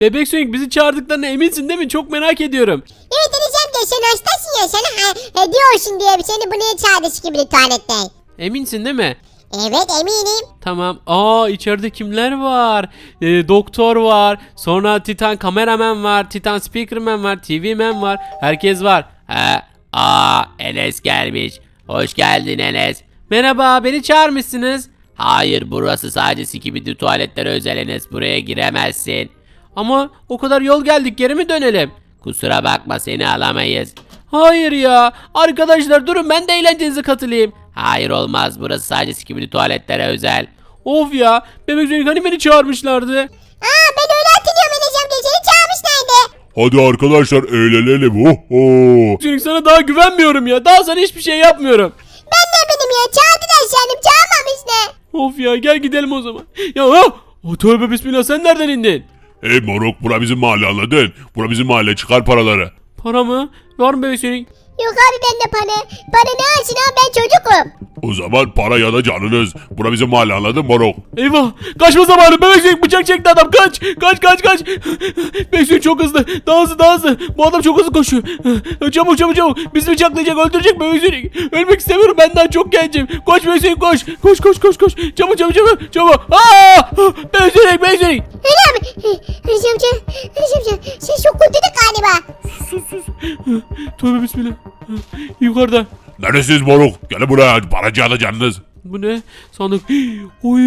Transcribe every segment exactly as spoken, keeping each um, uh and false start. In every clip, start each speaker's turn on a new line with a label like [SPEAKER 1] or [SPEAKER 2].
[SPEAKER 1] Bebek Sonic bizi çağırdıklarına eminsin değil mi? Çok merak ediyorum.
[SPEAKER 2] Evet Enes'cim de sen hastasın ya sana ha, he, diyorsun diye seni buraya çağırdı gibi tuvalette.
[SPEAKER 1] Eminsin değil mi?
[SPEAKER 2] Evet eminim.
[SPEAKER 1] Tamam. Aa içeride kimler var? Ee, doktor var. Sonra Titan kameraman var. Titan speakerman var. T V man var. Herkes var.
[SPEAKER 3] Ha, aa Enes gelmiş. Hoş geldin Enes.
[SPEAKER 1] Merhaba, beni çağırmışsınız.
[SPEAKER 3] Hayır, burası sadece Skibidi tuvaletlere özel Enes. Buraya giremezsin.
[SPEAKER 1] Ama o kadar yol geldik, geri mi dönelim?
[SPEAKER 3] Kusura bakma, seni alamayız.
[SPEAKER 1] Hayır ya. Arkadaşlar durun, ben de eğlencenize katılayım.
[SPEAKER 3] Hayır, olmaz. Burası sadece Skibidi tuvaletlere özel.
[SPEAKER 1] Of ya. Bebek Sonic hani beni çağırmışlardı.
[SPEAKER 2] Aa ben öyle hatırlıyorum Enes'cim de seni çağırmışlardı.
[SPEAKER 4] Hadi arkadaşlar eğlenelim. Oho.
[SPEAKER 1] Sonic sana daha güvenmiyorum ya. Daha sana hiçbir şey yapmıyorum.
[SPEAKER 2] Ben ne benim ya çağırdılar sandım çağırmamışlar.
[SPEAKER 1] Of ya, gel gidelim o zaman. Ya ha! O tövbe bismillah, sen nereden indin?
[SPEAKER 4] Hey moruk, bura bizim mahalle, anladın? Bura bizim mahalle, çıkar paraları.
[SPEAKER 1] Para mı? Var mı Bebek Sonic?
[SPEAKER 2] Yok abi bende para. Para ne alsın abi ben çocukum.
[SPEAKER 4] O zaman para ya da canınız. Bura bizim mahalle, anladın moruk?
[SPEAKER 1] Eyvah! Kaçma zamanı! Bebek Sonic bıçak çekti adam! Kaç! Kaç kaç kaç! Bebek Sonic çok hızlı! Daha hızlı daha hızlı! Bu adam çok hızlı koşuyor! Çabuk çabuk çabuk! Bizi bıçaklayacak, öldürecek Bebek Sonic! Ölmek istemiyorum, ben daha çok gencim! Koş Bebek Sonic koş! Koş koş koş koş! Çabuk çabuk çabuk! Çabuk! Aaa! Bebek Sonic! Bebek Sonic!
[SPEAKER 2] Öyle abi. Enes'cim amca. Enes'cim amca. Sen çok kurtulduk galiba.
[SPEAKER 1] Sus sus! Tövbe bismillah! Yukarıda!
[SPEAKER 4] Neresiniz moruk? Gelin buraya, paracı alacağınız.
[SPEAKER 1] Bu ne? Sandık. Oy!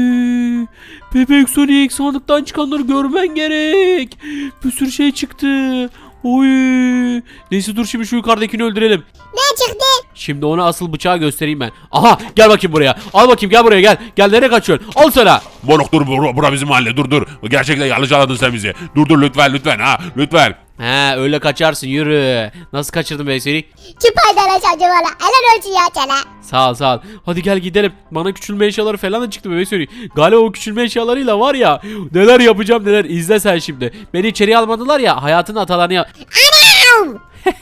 [SPEAKER 1] Bebek Sonic, sandıktan çıkanları görmen gerek. Bir sürü şey çıktı. Oy! Neyse dur, şimdi şu yukarıdakini öldürelim.
[SPEAKER 2] Ne çıktı?
[SPEAKER 1] Şimdi ona asıl bıçağı göstereyim ben. Aha, gel bakayım buraya. Al bakayım, gel buraya gel. Gel, nereye kaçıyorsun? Al sana.
[SPEAKER 4] Moruk dur, bura, bura bizim mahalle, dur dur. Gerçekten yanlış anladın sen bizi. Dur dur lütfen lütfen ha, lütfen.
[SPEAKER 1] He, öyle kaçarsın, yürü. Nasıl kaçırdın Bebek Sonic?
[SPEAKER 2] Çıpaydan Enes'cim valla. Helal olsun ya sana.
[SPEAKER 1] Sağ ol sağ ol. Hadi gel gidelim. Bana küçülme eşyaları falan da çıktı Bebek Sonic. Galiba o küçülme eşyalarıyla var ya, neler yapacağım neler. İzle sen şimdi. Beni içeriye almadılar ya, hayatın atalarını yap.
[SPEAKER 2] Anam.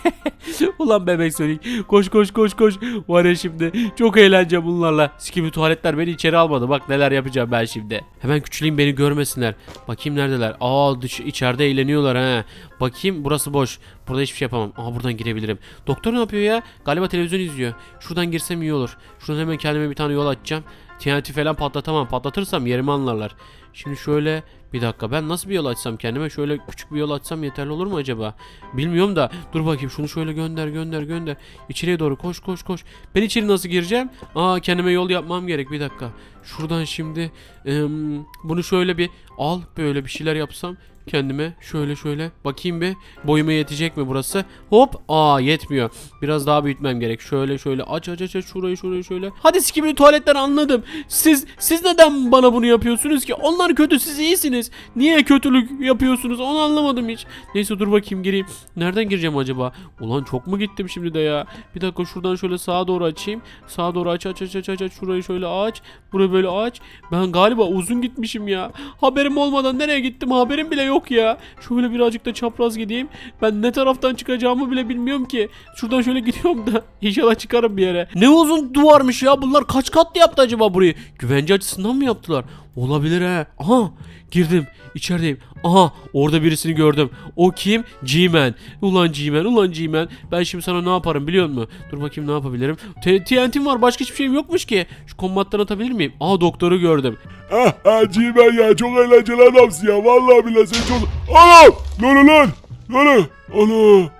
[SPEAKER 1] Ulan Bebek Sonic, koş koş koş koş. Var ya şimdi çok eğlence bunlarla. Skibidi tuvaletler beni içeri almadı. Bak neler yapacağım ben şimdi. Hemen küçüleyim, beni görmesinler. Bakayım neredeler. Aa, dış içeride eğleniyorlar ha. Bakayım, burası boş. Burada hiçbir şey yapamam. Aa, buradan girebilirim. Doktor ne yapıyor ya? Galiba televizyon izliyor. Şuradan girsem iyi olur. Şuradan hemen kendime bir tane yol açacağım. T N T falan patlatamam. Patlatırsam yerimi anlarlar. Şimdi şöyle bir dakika, ben nasıl bir yol açsam kendime? Şöyle küçük bir yol açsam yeterli olur mu acaba? Bilmiyorum da dur bakayım, şunu şöyle gönder gönder gönder. İçeriye doğru koş koş koş. Ben içeri nasıl gireceğim? Aa, kendime yol yapmam gerek, bir dakika. Şuradan şimdi ım, bunu şöyle bir al, böyle bir şeyler yapsam kendime, şöyle şöyle bakayım bir boyuma yetecek mi burası? Hop, aa yetmiyor. Biraz daha büyütmem gerek. Şöyle şöyle aç aç aç aç, şurayı şurayı şöyle. Hadi Skibidi tuvaletler, anladım. Siz siz neden bana bunu yapıyorsunuz ki? Onlar kötü, siz iyisiniz. Niye kötülük yapıyorsunuz? Onu anlamadım hiç. Neyse dur bakayım, gireyim. Nereden gireceğim acaba? Ulan çok mu gittim şimdi de ya? Bir dakika, şuradan şöyle sağa doğru açayım. Sağa doğru aç aç aç aç aç aç. Şurayı şöyle aç. Burayı böyle aç. Ben galiba uzun gitmişim ya. Haberim olmadan nereye gittim haberim bile yok ya. Şöyle birazcık da çapraz gideyim. Ben ne taraftan çıkacağımı bile bilmiyorum ki. Şuradan şöyle gidiyorum da inşallah çıkarım bir yere. Ne uzun duvarmış ya. Bunlar kaç katlı yaptı acaba burayı? Güvence açısından mı yaptılar? Olabilir he. Aha, girdim. İçerideyim. Aha, orada birisini gördüm. O kim? G-Man. Ulan G-Man, ulan G-Man. Ben şimdi sana ne yaparım biliyor musun? Dur bakayım ne yapabilirim. T N T'm var, başka hiçbir şeyim yokmuş ki. Şu kombattan atabilir miyim? Aa, doktoru gördüm.
[SPEAKER 4] Ah ah G-Man ya, çok eğlenceli adamsın ya. Vallahi billahi sen çok... Anam! Lan lan! Lan! Ana!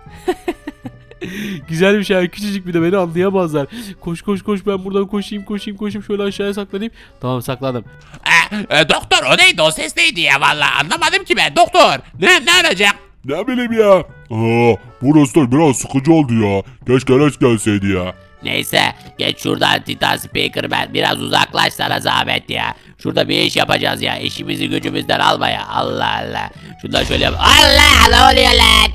[SPEAKER 1] Güzel bir şey. Küçücük, bir de beni anlayamazlar. Koş koş koş, ben buradan koşayım koşayım koşayım. Şöyle aşağıya saklanayım. Tamam, sakladım.
[SPEAKER 3] E, e, doktor, o neydi, o ses neydi ya, vallahi anlamadım ki ben doktor. Ne ne olacak?
[SPEAKER 4] Ne bileyim ya. Aa, burası da biraz sıkıcı oldu ya. Keşke Enes gelseydi ya.
[SPEAKER 3] Neyse, geç şuradan Titan Speakerman, biraz uzaklaş sana zahmet ya. Şurada bir iş yapacağız ya, işimizi gücümüzden alma ya. Allah Allah. Şundan şöyle yap. Allah, ne oluyor lan?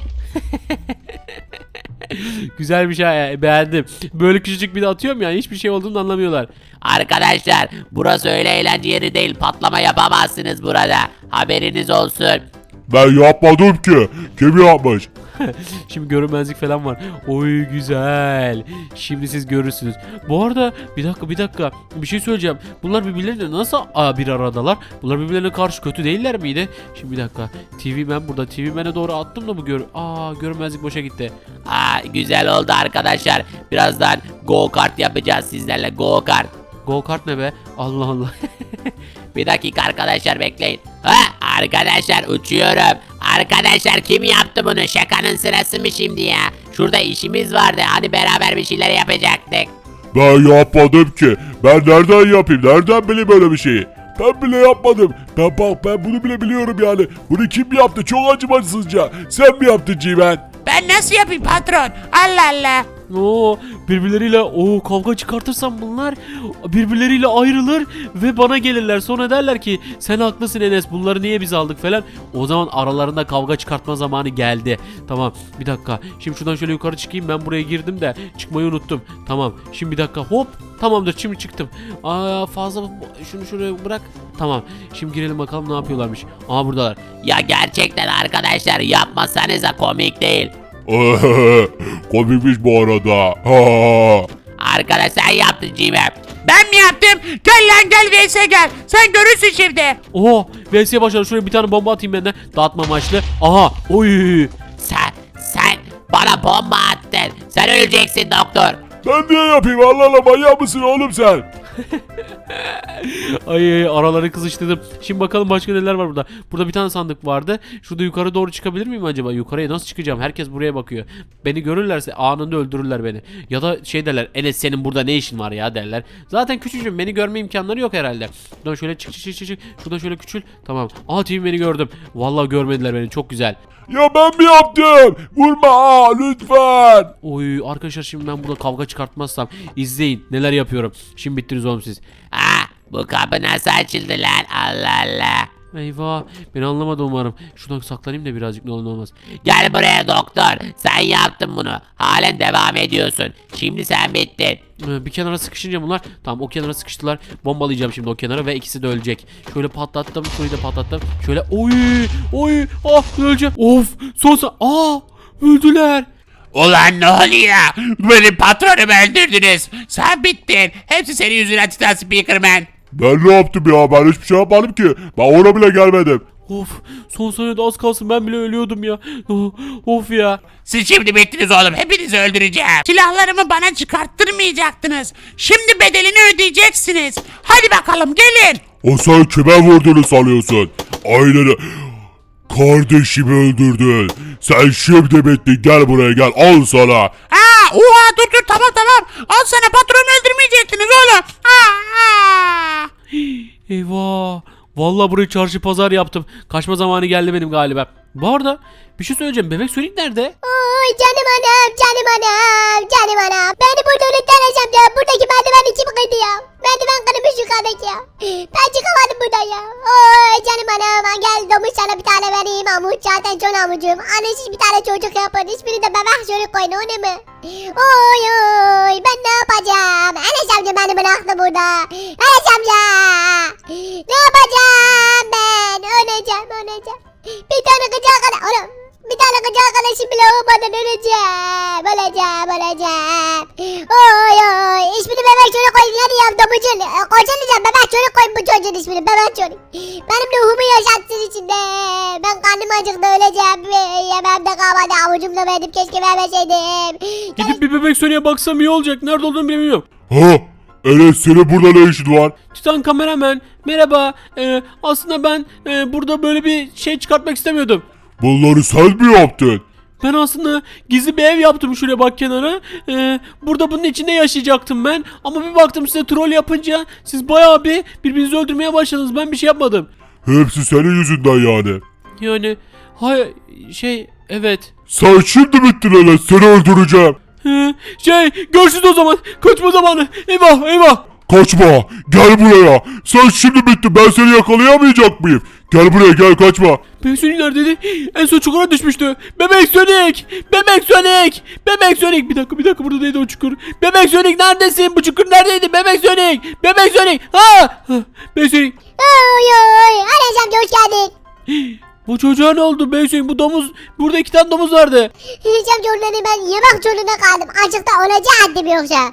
[SPEAKER 1] Güzel bir şey ya, beğendim. Böyle küçücük bir de atıyorum ya, hiçbir şey olduğunu anlamıyorlar.
[SPEAKER 3] Arkadaşlar, burası öyle eğlence yeri değil, patlama yapamazsınız burada. Haberiniz olsun.
[SPEAKER 4] Ben yapmadım ki. Kim yapmış?
[SPEAKER 1] Şimdi görünmezlik falan var. Oy güzel. Şimdi siz görürsünüz. Bu arada bir dakika bir dakika. Bir şey söyleyeceğim. Bunlar birbirleriyle nasıl aa, bir aradalar? Bunlar birbirlerine karşı kötü değiller miydi? Şimdi bir dakika. T V Man burada. T V Man'e doğru attım da bu gör... Aa görünmezlik boşa gitti.
[SPEAKER 3] Aa, güzel oldu arkadaşlar. Birazdan go kart yapacağız sizlerle, go kart.
[SPEAKER 1] Go kart ne be? Allah Allah.
[SPEAKER 3] Bir dakika arkadaşlar, bekleyin. Ha, arkadaşlar uçuyorum. Arkadaşlar kim yaptı bunu? Şakanın sırası mı şimdi ya? Şurada işimiz vardı. Hani beraber bir şeyler yapacaktık.
[SPEAKER 4] Ben yapmadım ki. Ben nereden yapayım? Nereden bileyim böyle bir şeyi? Ben bile yapmadım. Ben bak ben bunu bile biliyorum yani. Bunu kim yaptı? Çok acımasızca. Sen mi yaptın Cimen?
[SPEAKER 5] Ben nasıl yapayım patron? Allah Allah.
[SPEAKER 1] Oo, birbirleriyle o kavga çıkartırsam bunlar birbirleriyle ayrılır ve bana gelirler. Sonra derler ki sen haklısın Enes, bunları niye biz aldık falan. O zaman aralarında kavga çıkartma zamanı geldi. Tamam bir dakika. Şimdi şuradan şöyle yukarı çıkayım. Ben buraya girdim de çıkmayı unuttum. Tamam. Şimdi bir dakika. Hop. Tamamdır. Şimdi çıktım. Aa fazla şunu şuraya bırak. Tamam. Şimdi girelim bakalım ne yapıyorlarmış. Aa buradalar.
[SPEAKER 3] Ya gerçekten arkadaşlar, yapmasanıza komik değil.
[SPEAKER 4] Komikmiş bu arada. Ha.
[SPEAKER 3] Arkadaş sen yaptın Cimem.
[SPEAKER 5] Ben mi yaptım? Gel lan gel V S gel. Sen görürsün şimdi.
[SPEAKER 1] Oo, V S'ye başladı. Şuraya bir tane bomba atayım ben de. Dağıtma amaçlı. Aha. Oy.
[SPEAKER 3] Sen, sen bana bomba attın. Sen öleceksin doktor.
[SPEAKER 4] Ben niye yapayım? Allah Allah, manyak mısın oğlum sen?
[SPEAKER 1] Ay, ay araları kızıştırdım. Şimdi bakalım başka neler var burada. Burada bir tane sandık vardı. Şurada yukarı doğru çıkabilir miyim acaba? Yukarıya nasıl çıkacağım? Herkes buraya bakıyor. Beni görürlerse anında öldürürler beni. Ya da şey derler. Enes senin burada ne işin var ya derler. Zaten küçücüğüm. Beni görme imkanları yok herhalde. Şuradan şöyle çık çık çık çık. Şuradan şöyle küçül. Tamam. Aa T V beni gördüm. Vallahi görmediler beni. Çok güzel.
[SPEAKER 4] Ya ben mi yaptım? Vurma aa, lütfen.
[SPEAKER 1] Oy arkadaşlar şimdi ben burada kavga çıkartmazsam izleyin neler yapıyorum. Şimdi bittiniz oğlum siz.
[SPEAKER 3] Ha, bu kapı nasıl açıldı lan? Allah Allah.
[SPEAKER 1] Eyvah beni anlamadı umarım. Şuradan saklanayım da birazcık ne olur ne olmaz.
[SPEAKER 3] Gel buraya doktor. Sen yaptın bunu. Halen devam ediyorsun. Şimdi sen bittin.
[SPEAKER 1] Ee, Bir kenara sıkışınca bunlar tamam o kenara sıkıştılar. Bombalayacağım şimdi o kenara ve ikisi de ölecek. Şöyle patlattım, şurayı da patlattım. Şöyle oy oy ah öleceğim. Of son sa aa öldüler.
[SPEAKER 5] Ulan ne oluyor? Benim patronumu öldürdünüz. Sen bittin. Hepsi senin yüzünden Titan Speakerman.
[SPEAKER 4] Ben ne yaptım ya? Ben hiçbir şey yapmadım ki. Ben ona bile gelmedim.
[SPEAKER 1] Of son saniyede az kalsın ben bile ölüyordum ya. Oh, of ya.
[SPEAKER 5] Siz şimdi bittiniz oğlum. Hepinizi öldüreceğim. Silahlarımı bana çıkarttırmayacaktınız. Şimdi bedelini ödeyeceksiniz. Hadi bakalım gelin.
[SPEAKER 4] O sen kime vurduğunu sanıyorsun? Aynen. Kardeşimi öldürdün. Sen şimdi bittin. Gel buraya gel. Al sana.
[SPEAKER 5] Aa, oha dur dur tamam tamam. Al sana, patronu öldürmeyecektiniz oğlum. Aa, aa.
[SPEAKER 1] Eyvah. Vallahi burayı çarşı pazar yaptım. Kaçma zamanı geldi benim galiba. Bu arada bir şey söyleyeceğim. Bebek Sonic nerede?
[SPEAKER 2] Oy canım anam, canım anam, canım anam. Beni burada unutturacağım ya. Buradaki merdiven içim kıydı ya. Merdiven kırmış yukarıdaki ya. Ben çıkamadım buradan ya. Oy canım anam. Gel domuz sana bir tane vereyim. Amuç zaten çok amucum. Annesiz bir tane çocuk yapın. Hiçbiri de bebek çocuk koyun, o ne mi? Oy oy. Ben ne yapacağım? Enes amca beni bıraktı burada. Enes amca. Ne yapacağım ben? Öleceğim, öleceğim. Bir tane gıcık kadar. Oğlum. Bir tane gıcık arkadaşım bile olmadan öleceğim. Öleceğim, öleceğim. Oy oy. İsmini bebek çocuk koyun. Hadi ya domucun. Kocan diyeceğim. Bebek çocuk koyun bu çocuğun ismini. Bebek çocuk. Benim ruhumu yaşatsın içinde. Ben karnım acıktı, öleceğim. Yemem de kalmadı. Avucumda verdim. Keşke vermeseydim.
[SPEAKER 1] Gidip bir Bebek Sonic'e baksam iyi olacak. Nerede olduğunu bilmiyorum.
[SPEAKER 4] Ha? Enes senin burada ne işin var?
[SPEAKER 1] Titan kameraman merhaba. Ee, aslında ben e, burada böyle bir şey çıkartmak istemiyordum.
[SPEAKER 4] Bunları sen mi yaptın?
[SPEAKER 1] Ben aslında gizli bir ev yaptım şuraya bak kenara. Ee, burada bunun içinde yaşayacaktım ben. Ama bir baktım size troll yapınca siz bayağı bir birbirinizi öldürmeye başladınız. Ben bir şey yapmadım.
[SPEAKER 4] Hepsi senin yüzünden yani.
[SPEAKER 1] Yani hay şey evet.
[SPEAKER 4] Sen şimdi bittin Enes, seni öldüreceğim.
[SPEAKER 1] Ee, şey görüşürüz o zaman. Kaçma zamanı. Eyvah eyvah.
[SPEAKER 4] Kaçma, gel buraya. Sen şimdi bittin, ben seni yakalayamayacak mıyım? Gel buraya, gel, kaçma.
[SPEAKER 1] Bebek Sonic neredeydi? En son çukura düşmüştü. Bebek Sonic! Bebek Sonic! Bebek Sonic! Bir dakika bir dakika burada neydi o çukur? Bebek Sonic neredesin? Bu çukur neredeydi? Bebek Sonic! Bebek Sonic! Ha! Ha! Bebek Sonic!
[SPEAKER 2] Oy oy. Enes amca hoş geldin.
[SPEAKER 1] Bu çocuğa ne oldu bebek Sonic? Bu domuz, burada iki tane domuz vardı.
[SPEAKER 2] Enes amca onları ben yemek zorunda kaldım. Açıkta olacaktım yoksa.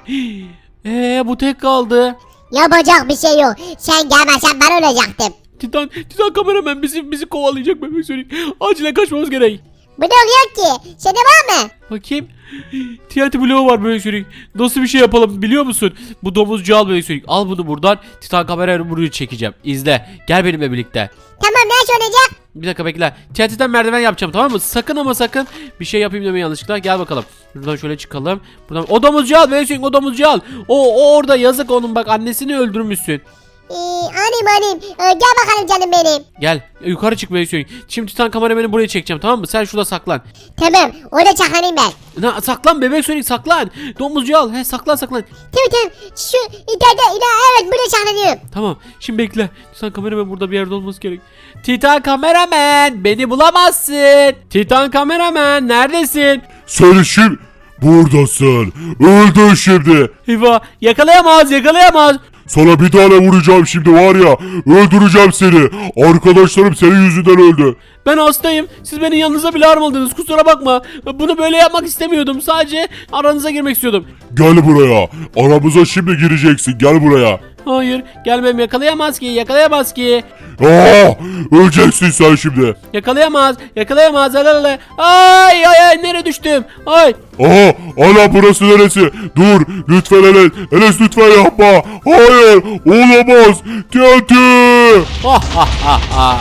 [SPEAKER 1] Eee bu tek kaldı.
[SPEAKER 2] Yapacak bir şey yok. Sen gelmezsen ben olacaktım.
[SPEAKER 1] Titan, Titan kameraman bizi bizi kovalayacak bebek Sonic. Acilen kaçmamız gerek.
[SPEAKER 2] Bu da yok ki. Sende var mı?
[SPEAKER 1] Bakayım. T N T bloğu var bebek Sonic. Nasıl bir şey yapalım biliyor musun? Bu domuzcu al bebek Sonic. Al bunu buradan. Titan kamerayla burayı çekeceğim. İzle. Gel benimle birlikte.
[SPEAKER 2] Tamam nasıl olacak?
[SPEAKER 1] Bir dakika bekle. T N T'den merdiven yapacağım tamam mı? Sakın ama sakın bir şey yapayım deme yanlışlıkla. Gel bakalım. Buradan şöyle çıkalım. Buradan o domuzcu al bebek Sonic, o domuzcu al. O, o orada yazık onun, bak annesini öldürmüşsün.
[SPEAKER 2] Ee, anayım anayım. Ee, gel bakalım canım benim.
[SPEAKER 1] Gel yukarı çık bebek Sonic. Şimdi Titan kamerameni buraya çekeceğim tamam mı? Sen şurada saklan.
[SPEAKER 2] Tamam orada çakanayım ben.
[SPEAKER 1] Na, saklan bebek Sonic saklan. Domuzcu al. He saklan saklan.
[SPEAKER 2] Tamam tamam. Şu ileride ileride evet burada çaklanıyorum.
[SPEAKER 1] Tamam şimdi bekle. Titan kameraman burada bir yerde olması gerek. Titan kameraman beni bulamazsın. Titan kameraman neredesin?
[SPEAKER 4] Sen şimdi buradasın. Öldün şimdi.
[SPEAKER 1] Eyvah yakalayamaz yakalayamaz.
[SPEAKER 4] Sana bir tane vuracağım şimdi var ya. Öldüreceğim seni. Arkadaşlarım senin yüzünden öldü.
[SPEAKER 1] Ben hastayım. Siz beni yanınıza bile almadınız. Kusura bakma. Bunu böyle yapmak istemiyordum. Sadece aranıza girmek istiyordum.
[SPEAKER 4] Gel buraya. Aramıza şimdi gireceksin. Gel buraya.
[SPEAKER 1] Hayır gelmem, yakalayamaz ki yakalayamaz ki.
[SPEAKER 4] Aa, öleceksin sen şimdi.
[SPEAKER 1] Yakalayamaz yakalayamaz. Alalala. Ay ay ay nereye düştüm? Ay.
[SPEAKER 4] Aa, ana burası neresi? Dur lütfen Enes. Enes lütfen yapma. Hayır olamaz. T N T.
[SPEAKER 1] Ha ha ha ha.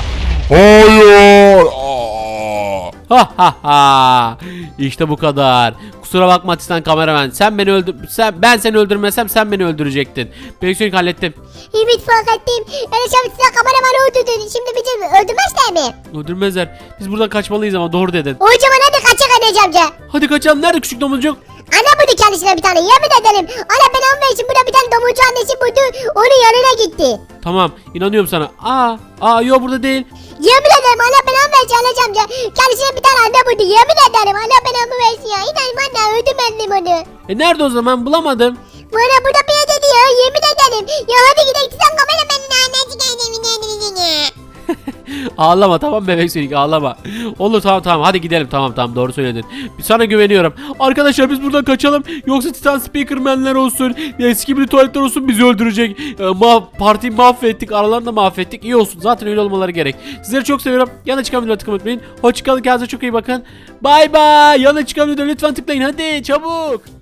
[SPEAKER 4] Hayır. Aa.
[SPEAKER 1] Ha ha ha. İşte bu kadar. Kusura bakma Titan kameraman. Sen beni öldür sen ben seni öldürmesem sen beni öldürecektin. Bebek Sonic hallettim.
[SPEAKER 2] Evet fark ettim. Enes amca size kameramanı öldürdün. Şimdi bizi öldürmezler mi?
[SPEAKER 1] Öldürmezler. Biz buradan kaçmalıyız ama doğru dedin.
[SPEAKER 2] O zaman hadi kaçak Enes amca.
[SPEAKER 1] Hadi kaçalım. Nerede küçük domuzcuk?
[SPEAKER 2] Ana buldu kendisine bir tane yemin ederim. Ana ben onun için burada bir tane domuzcu annesi buldu. Onun yanına gitti.
[SPEAKER 1] Tamam inanıyorum sana. Aa, aa yok burada değil.
[SPEAKER 2] Yemin ederim Allah belamı versin Enes amca. Kendisine bir tane anne buldu. Yemin ederim Allah belamı versin ya. İnan bana öldürmedim onu.
[SPEAKER 1] E nerede o zaman, bulamadım.
[SPEAKER 2] Bana burada bir yerde diyor. Yemin ederim. Ya hadi gidelim sen kameramenin annesi geldi.
[SPEAKER 1] Ağlama tamam bebek Sonic, ağlama. Olur tamam tamam hadi gidelim, tamam tamam doğru söyledin. Sana güveniyorum. Arkadaşlar biz buradan kaçalım. Yoksa Titan Speakerman'ler olsun, eski bir tuvaletler olsun bizi öldürecek. E, ma partiyi mahvettik, aralarını da mahvettik. İyi olsun, zaten öyle olmaları gerek. Sizleri çok seviyorum. Yana çıkan videoları tıklamayı unutmayın. Hoşçakalın, kendinize çok iyi bakın. Bay bay. Yana çıkan videoları lütfen tıklayın hadi çabuk.